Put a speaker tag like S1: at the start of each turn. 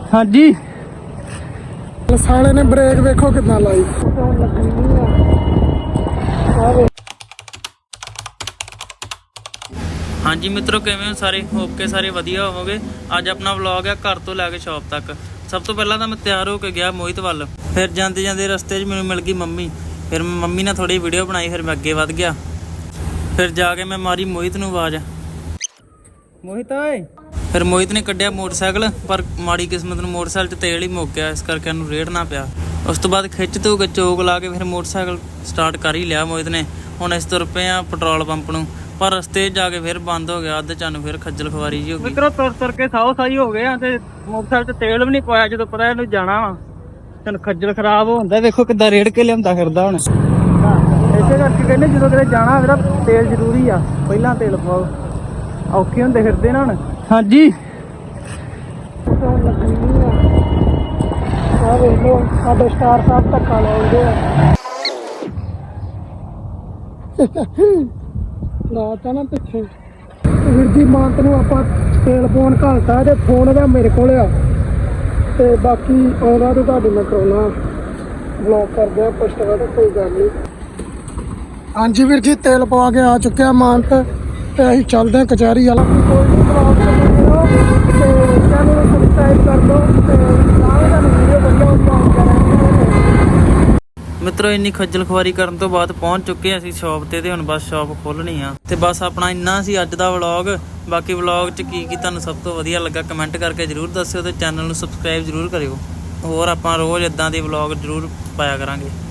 S1: हाँ जी
S2: साले ने ब्रेक देखो कितना लाई।
S1: हाँ जी मित्रों, किवें हो सारे? होप के सारे वधिया होवोगे। अज अपना व्लॉग है घर तो लैके शॉप तक। सब तो पहला तो मैं तैयार होकर गया मोहित वल, फिर जाते जाते रस्ते मैनूं मिल गई मम्मी, फिर मम्मी ने थोड़ी वीडियो बनाई, फिर मैं अगे वध गया, फिर जाके मैं मारी मोहित नूं आवाज़, मोहित आए। फिर मोहित ने कढ़िया मोटरसाइकिल, पर माड़ी किस्मत नूं मोटरसाइकिल 'च तेल ही मुक गया, इस करके उन्होंने रेड़ ना पिया। उस तो बाद खिच धू के चोक ला के फिर मोटरसाइकिल स्टार्ट कर ही लिया मोहित ने। हुण इस तुर पे आ पेट्रोल पंप नूं, पर रस्ते जाके फिर बंद हो गया। अद्ध चन फिर खज्जल खुआरी जी हो गई। मित्रों तुर तुर के साओ साई हो गए ते मोटरसाइकिल 'ਚ तेल भी नहीं पाया, जो पता इहनूं जाना वा तन खज्जल खराब होंदा। देखो किद्दां रेड़ के लिआंदा फिरदा हुण। इसे करके कहने जो किते जाना मेरा तेल जरूरी आ, पहला तेल पाओ, औखे हुंदे फिरदे ना हुण। हाँ जी
S2: साडे स्टार साहब धक्का लाउंदे लाता ना पिछे वीर जी मानत नूं आपां तेल पाउण घालता ते फोन दा मेरे कोल आ ते बाकी आउंदा ते तुहाडी मैं कराउणा ब्लॉग करदे आ पोस्टर ते कोई गल नहीं। हाँ जी वीर जी तेल पवा के आ चुके मानत ते असीं चलदे कचहरी वाला। कोई नहीं ब्लॉग ते चैनल नूं सबसक्राइब कर दो ते नाल तुहानूं वीडियो वधिया वधिया
S1: मित्रों इन्नी खज्जल खुआरी करन तो बाद पहुंच चुके ਅਸੀਂ ਸ਼ੌਪ ਤੇ ਹੁਣ ਬਸ ਸ਼ੌਪ ਖੋਲਣੀ ਆ ਤੇ ਬਸ ਆਪਣਾ ਇੰਨਾ ਸੀ ਅੱਜ ਦਾ ਵਲੌਗ। ਬਾਕੀ ਵਲੌਗ 'ਚ ਕੀ ਤੁਹਾਨੂੰ ਸਭ ਤੋਂ ਵਧੀਆ ਲੱਗਾ ਕਮੈਂਟ ਕਰਕੇ ਜਰੂਰ ਦੱਸਿਓ ਤੇ ਚੈਨਲ ਨੂੰ ਸਬਸਕ੍ਰਾਈਬ ਜਰੂਰ ਕਰਿਓ। ਹੋਰ ਆਪਾਂ ਰੋਜ਼ ਇਦਾਂ ਦੇ ਵਲੌਗ ਜਰੂਰ ਪਾਇਆ ਕਰਾਂਗੇ।